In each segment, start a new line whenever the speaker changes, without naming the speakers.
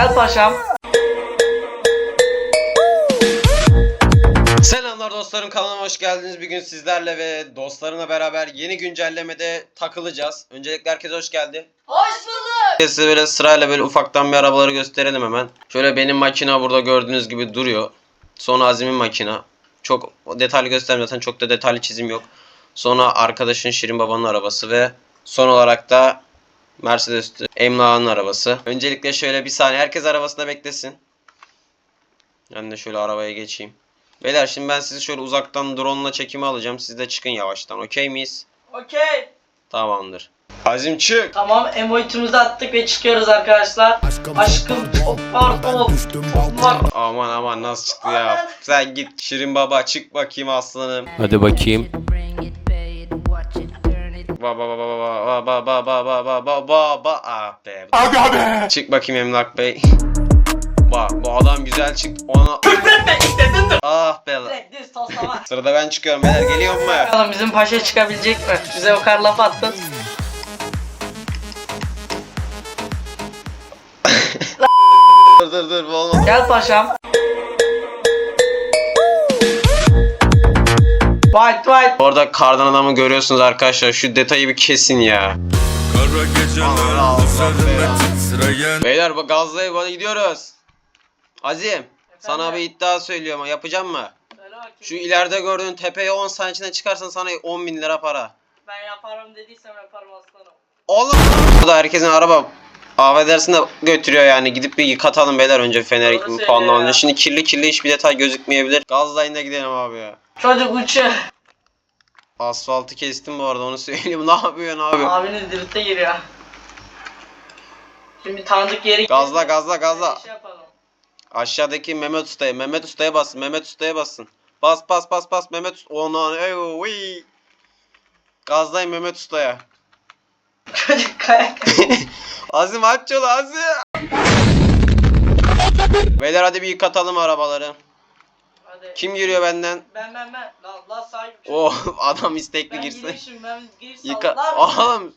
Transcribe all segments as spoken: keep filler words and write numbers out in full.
Gel paşam.
Selamlar dostlarım, kanalıma hoş geldiniz. Bugün sizlerle ve dostlarımla beraber yeni güncellemede takılacağız. Öncelikle herkese hoş geldi.
Hoş bulduk.
Size böyle sırayla böyle ufaktan bir arabaları gösterelim hemen. Şöyle benim makina burada gördüğünüz gibi duruyor. Sonra Azim'in makina. Çok detaylı göstermiyorum zaten, çok da detaylı çizim yok. Sonra arkadaşın Şirin Baba'nın arabası ve son olarak da Mercedes Emlak'ın arabası. Öncelikle şöyle bir saniye herkes arabasında beklesin. Ben de şöyle arabaya geçeyim. Beyler şimdi ben sizi şöyle uzaktan drone'la çekimi alacağım. Siz de çıkın yavaştan. Okey miyiz?
Okey.
Tamamdır. Azim çık.
Tamam, emoitimizi attık ve çıkıyoruz arkadaşlar. Aşkım çok pardon. Çok var.
Aman aman nasıl çıktı ya. Sen git Şirin Baba, çık bakayım aslanım.
Hadi bakayım.
Ba ba ba ba ba ba ba ba ba ba ba ba ba ah be. Abi abi. Çık bakayım Emlak Bey. Bak bu adam güzel çıktı. Ona
Küfretme istedin de.
ah be.
Direkt düz toslama.
Sırada ben çıkıyorum beyler, geliyor mu?
Bakalım bizim paşa çıkabilecek mi? Bize o kadar laf attın.
Dur dur dur, bu olmaz.
Gel paşam. White white.
Orada kardan adamı görüyorsunuz arkadaşlar. Şu detayı bir kesin ya.
Kara geceler üzerime titreyen.
Beyler bak gazlayıp hadi gidiyoruz. Azim, sana bir iddia söylüyorum. Yapacağım mı?
Söyle bakayım.
Şu ileride gördüğün tepeye on saniye içinde çıkarsan sana on bin lira para.
Ben yaparım dediysem yaparım aslanım.
Oğlum. Burada herkesin araba affedersin de götürüyor yani. Gidip bir yıkatalım beyler önce feneri
Doğru söylüyor
puanlamanca.
ya.
Şimdi kirli kirli hiçbir detay gözükmeyebilir. Gazlayın da gidelim abi ya.
Çocuk uçuyor.
Asfaltı kestim bu arada, onu söyleyeyim. Ne yapıyorsun abi?
Abiniz drifte giriyor. Şimdi tanıdık yeri
Gazla gazla gazla.
Şey yapalım.
Aşağıdaki Mehmet Usta'ya, Mehmet Usta'ya basın, Mehmet Usta'ya basın. Bas bas bas bas Mehmet Usta. Ona ey gazlayın Mehmet Usta'ya.
Çocuk kayak.
Azim aç yolu Azim. Beyler hadi bir yıkatalım arabaları.
Hadi.
Kim giriyor benden?
Ben ben ben. Lan lan sahip.
Oh adam istekli
Ben
girsin.
girişim, ben giriş
Yıka.
sallar.
Oğlum.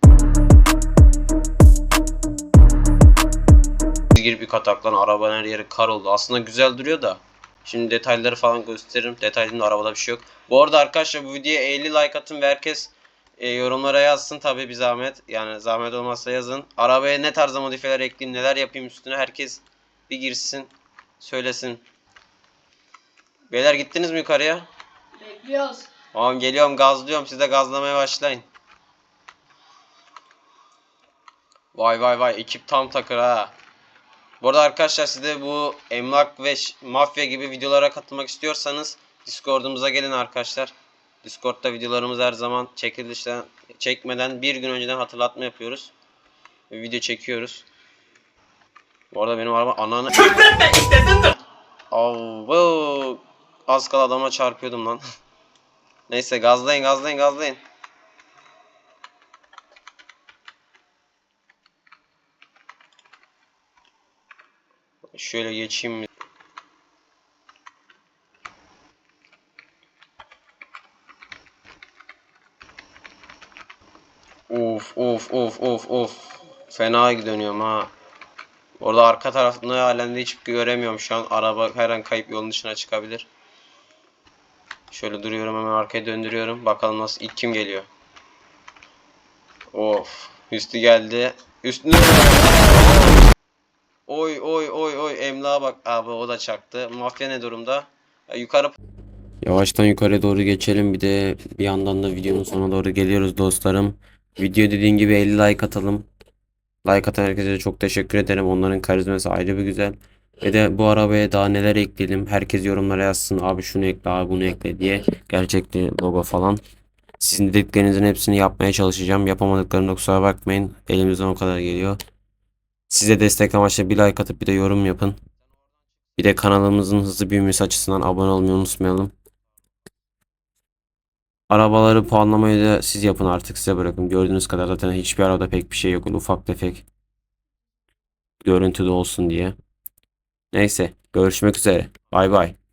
Girip yıkatak lan, arabanın her yeri kar oldu. Aslında güzel duruyor da. Şimdi detayları falan gösteririm. Detaylı arabada bir şey yok. Bu arada arkadaşlar bu videoya elli like atın ve herkes e, yorumlara yazsın tabi bir zahmet. Yani zahmet olmazsa yazın. Arabaya ne tarzda modifiyeler ekleyeyim, neler yapayım üstüne, herkes bir girsin. Söylesin. Beyler gittiniz mi yukarıya?
Bekliyoruz.
Tamam geliyorum, gazlıyorum, siz de gazlamaya başlayın. Vay vay vay, ekip tam takır ha. Bu arada arkadaşlar siz de bu emlak ve mafya gibi videolara katılmak istiyorsanız Discord'umuza gelin arkadaşlar. Discord'da videolarımız her zaman çekilişten çekmeden bir gün önceden hatırlatma yapıyoruz. Ve video çekiyoruz. Bu arada benim araba ananı
Küfretme istedin de.
Av, az kala adama çarpıyordum lan. Neyse gazlayın gazlayın gazlayın. Şöyle geçeyim mi? Of of of of of. Fena dönüyorum ha. Orada arka tarafında alemde hiç göremiyorum şu an. Araba her an kayıp yolun dışına çıkabilir. Şöyle duruyorum, hemen arkaya döndürüyorum. Bakalım nasıl, ilk kim geliyor? Of. Üstü geldi. Üstüne. Oy oy oy oy, emlağa bak abi, o da çaktı. Mafya ne durumda? Ya, yukarı.
Yavaştan yukarı doğru geçelim. Bir de bir yandan da videonun sonuna doğru geliyoruz dostlarım. Video dediğin gibi elli like atalım. Like atan herkese de çok teşekkür ederim. Onların karizması ayrı bir güzel. Ve de bu arabaya daha neler ekleyelim. Herkes yorumlara yazsın. Abi şunu ekle, abi bunu ekle diye. Gerçekten logo falan. Sizin dediklerinizin hepsini yapmaya çalışacağım. Yapamadıklarına kusura bakmayın. Elimizden o kadar geliyor. Size destek amaçlı bir like atıp bir de yorum yapın. Bir de kanalımızın hızlı büyümesi açısından abone olmayı unutmayalım. Arabaları puanlamayı da siz yapın, artık size bırakın. Gördüğünüz kadar zaten hiçbir arabada pek bir şey yok. Ufak tefek görüntüde olsun diye. Neyse, görüşmek üzere. Bay bay.